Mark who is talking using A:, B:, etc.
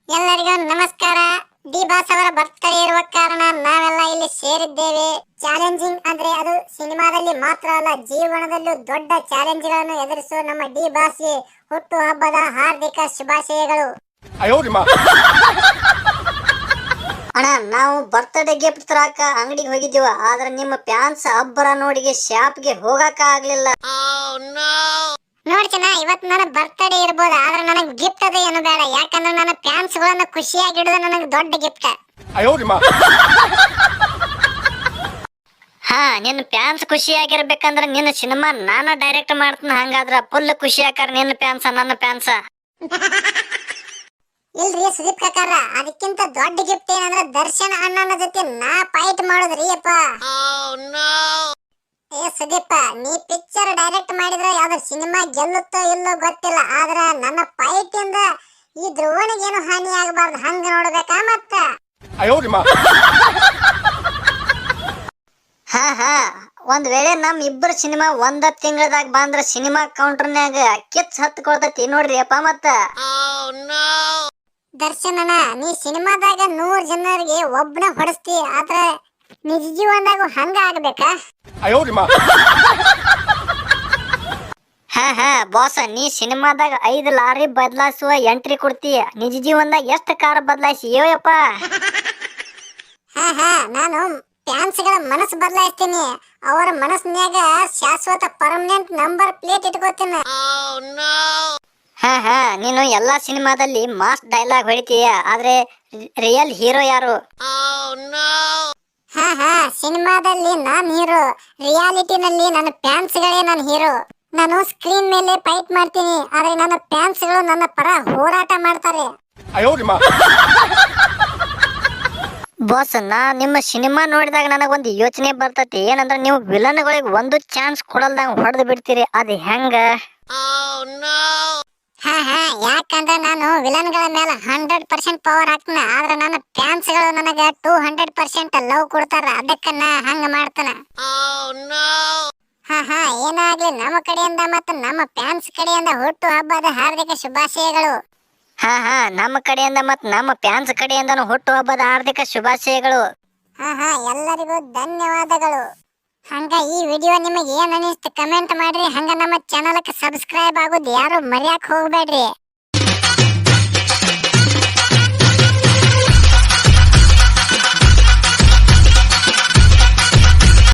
A: ಎಲ್ಲರಿಗೂ ನಮಸ್ಕಾರ. D boss ಅವರ ಬರ್ತ್ಡೇ ಇರುವ ಕಾರಣ ನಾವೆಲ್ಲ ಇಲ್ಲಿ ಸೇರಿದ್ದೇವೆ. ಚಾಲೆಂಜಿಂಗ್ ಅಂದ್ರೆ ಅದು ಸಿನಿಮಾದಲ್ಲಿ ಮಾತ್ರ ಅಲ್ಲ, ಜೀವನದಲ್ಲೂ ದೊಡ್ಡ ಚಾಲೆಂಜ್ಗಳನ್ನು ಎದುರಿಸುವ ನಮ್ಮ ಡಿ ಬಾಸ್ಗೆ ಹುಟ್ಟು ಹಬ್ಬದ ಹಾರ್ದಿಕ ಶುಭಾಶಯಗಳು.
B: ಅಣ್ಣ, ನಾವು ಬರ್ತ್ಡೇ ಗಿಫ್ಟ್ ತರಾಕ ಅಂಗಡಿಗೆ ಹೋಗಿದ್ದೀವ, ಆದ್ರೆ ನಿಮ್ಮ ಫ್ಯಾನ್ಸ್ ಅಬ್ಬರ ನೋಡಿಗೆ ಶಾಪ್ಗೆ ಹೋಗಕ ಆಗ್ಲಿಲ್ಲ.
A: ನೋಡ್ತೀನ, ಇವತ್ತು ನನ್ನ ಬರ್ತ್ಡೇ ಇರ್ಬೋದು, ಆದ್ರೆ ನನಗೆ ಗಿಫ್ಟ್ ಅದು ಏನು ಬೇಡ. ಯಾಕಂದ್ರೆ ನನ್ನ ಫ್ಯಾನ್ಸ್ ಗಳನ್ನ ಖುಷಿಯಾಗಿಡೋದು ನನಗೆ ದೊಡ್ಡ ಗಿಫ್ಟ್.
B: ಹಾ, ನಿನ್ನ ಫ್ಯಾನ್ಸ್ ಖುಷಿಯಾಗಿರ್ಬೇಕಂದ್ರೆ ನಿನ್ನ ಸಿನಿಮಾ ನಾನ ಡೈರೆಕ್ಟ್ ಮಾಡ್ತೀನಿ. ಹಂಗಾದ್ರ ಫುಲ್ ಖುಷಿ ಆಕಾರ ನಿನ್ನ ಫ್ಯಾನ್ಸ ನನ್ನ ಫ್ಯಾನ್ಸ.
A: ಇಲ್ರಿ ಸುದೀಪ್ ಕಾಕಾರ, ಅದಕ್ಕಿಂತ ದೊಡ್ಡ ಗಿಫ್ಟ್ ಏನಂದ್ರೆ ದರ್ಶನ್ ಅಣ್ಣನ ಜೊತೆ ನಾ ಫೈಟ್ ಮಾಡೋದ್ರಿ ಅಪ್ಪ. ಏ ಸುದೀಪ, ನೀ ಪಿಕ್ಚರ್ ಡೈರೆಕ್ಟ್ ಮಾಡಿದ್ರೆ ಯಾವ್ದು ಸಿನಿಮಾ ಗೆಲ್ಲುತ್ತೋ ಇಲ್ಲೋ ಗೊತ್ತಿಲ್ಲ, ಆದ್ರ ನನ್ನ ಫೈಟ್ ಇಂದ ಈ ಧ್ರುವನಿಗೇನು ಹಾನಿ ಆಗಬಾರ್ದು, ಹಂಗ ನೋಡ್ಬೇಕಾ ಮತ್ತ.
B: ಹಾ ಹಾ, ಒಂದ್ ವೇಳೆ ನಮ್ ಇಬ್ಬರ ಸಿನಿಮಾ ಒಂದ ತಿಂಗಳದಾಗ ಬಂದ್ರ ಸಿನಿಮಾ ಕೌಂಟರ್ನ್ಯಾಗ ಕಿಚ್ ಹತ್ಕೊಳ್ತೈತಿ ನೋಡ್ರಿ ಅಪ್ಪ ಮತ್ತ.
A: ದರ್ಶನನ, ನೀ ಸಿನಿಮಾದಾಗ 100 ಜನರಿಗೆ ಒಬ್ಬನ ಹೊಡಸ್ತಿ, ಆದ್ರ ನಿಜ ಜೀವನದಾಗ ಹಂಗ ಆಗ್ಬೇಕಾ?
B: ಹಾ ಹಾ ಬಾಸ್, ನೀ ಸಿನಿಮಾದಾಗ 5 ಲಾರಿ ಬದಲಾಯಿಸುವ ಎಂಟ್ರಿ ಕೊಡ್ತೀಯ, ನಿಜ ಜೀವನದಾಗ ಎಷ್ಟು ಕಾರ್ ಬದಲಾಯಿಸಿ ಯೋಯಪ್ಪ.
A: ಹಾ ಹಾ, ನಾನು ಫ್ಯಾನ್ಸ್ ಗಳ ಮನಸ್ಸು ಬದಲಾಯಿಸ್ತೀನಿ, ಅವರ ಮನಸ್ಸಿನ್ಯಾಗ ಶಾಶ್ವತ ಪರ್ಮನೆಂಟ್ ನಂಬರ್ ಪ್ಲೇಟ್ ಇಟ್ಕೋತೀನಿ.
B: ಹಾ ಹಾ, ನೀನು ಎಲ್ಲಾ ಸಿನಿಮಾದಲ್ಲಿ ಮಾಸ್ ಡೈಲಾಗ್ ಹೊಡಿತೀಯ, ಆದ್ರೆ ರಿಯಲ್ ಹೀರೋ ಯಾರು?
A: ಹಾ ಹಾ, ಸಿನಿಮಾದಲ್ಲಿ ನಾನ್ ಹೀರೋ, ರಿಯಾಲಿಟಿನಲ್ಲಿ ನನ್ನ ಫ್ಯಾನ್ಸ್ ಗಳೇ ನನ್ನ ಹೀರೋ. ನಾನು ಸ್ಕ್ರೀನ್ ಮೇಲೆ ಫೈಟ್ ಮಾಡ್ತೀನಿ, ಆದ್ರೆ ನನ್ನ ಫ್ಯಾನ್ಸ್ ಗಳು ನನ್ನ ಪರ ಹೋರಾಟ ಮಾಡ್ತಾರೆ.
B: ಬಾಸ್, ನಾ ನಿಮ್ಮ ಸಿನಿಮಾ ನೋಡಿದಾಗ ನನಗೊಂದು ಯೋಚನೆ ಬರ್ತೈತಿ. ಏನಂದ್ರೆ ನೀವು ವಿಲನ್ಗಳಿಗೆ ಒಂದು ಚಾನ್ಸ್ ಕೊಡಲ್ದಂಗ ಹೊಡೆದು ಬಿಡ್ತೀರಿ, ಅದು ಹೆಂಗ?
A: ಹಾ ಹಾ, ಯಾಕಂದ್ರೆ ನಾನು ವಿಲನ್ ಗಳ ಮೇಲೆ 100% ಪವರ್ ಹಾಕ್ತೀನಿ, ಆದ್ರೆ ನನ್ನ ಫ್ಯಾನ್ಸ್ ಗಳು ನನಗೆ 200% ಲವ್ ಕೊಡ್ತಾರ, ಅದಕ್ಕ ನಾ ಹಂಗ ಮಾಡ್ತಾನ. ಹಾ ಹಾ, ಏನಾಗ್ಲಿ, ನಮ್ಮ ಕಡೆಯಿಂದ ಮತ್ತು ನಮ್ಮ ಫ್ಯಾನ್ಸ್ ಕಡೆಯಿಂದ ಹುಟ್ಟು ಹಬ್ಬದ ಹಾರ್ದಿಕ ಶುಭಾಶಯಗಳು.
B: ಹಾ ಹಾ, ನಮ್ಮ ಕಡೆಯಿಂದ ಮತ್ತು ನಮ್ಮ ಫ್ಯಾನ್ಸ್ ಕಡೆಯಿಂದನೂ ಹುಟ್ಟು ಹಬ್ಬದ ಹಾರ್ದಿಕ ಶುಭಾಶಯಗಳು.
A: ಹಾ ಹಾ, ಎಲ್ಲರಿಗೂ ಧನ್ಯವಾದಗಳು. ಹಂಗ ಈ ವಿಡಿಯೋ ನಿಮಗೆ ಏನ್ ಅನಿಸ್ತು ಕಮೆಂಟ್ ಮಾಡ್ರಿ. ಹಂಗ ನಮ್ಮ ಚಾನಲ್ಗೆ ಸಬ್ಸ್ಕ್ರೈಬ್ ಆಗೋದು ಯಾರು ಮರ್ಯಾಕ್ ಹೋಗ್ಬೇಡ್ರಿ.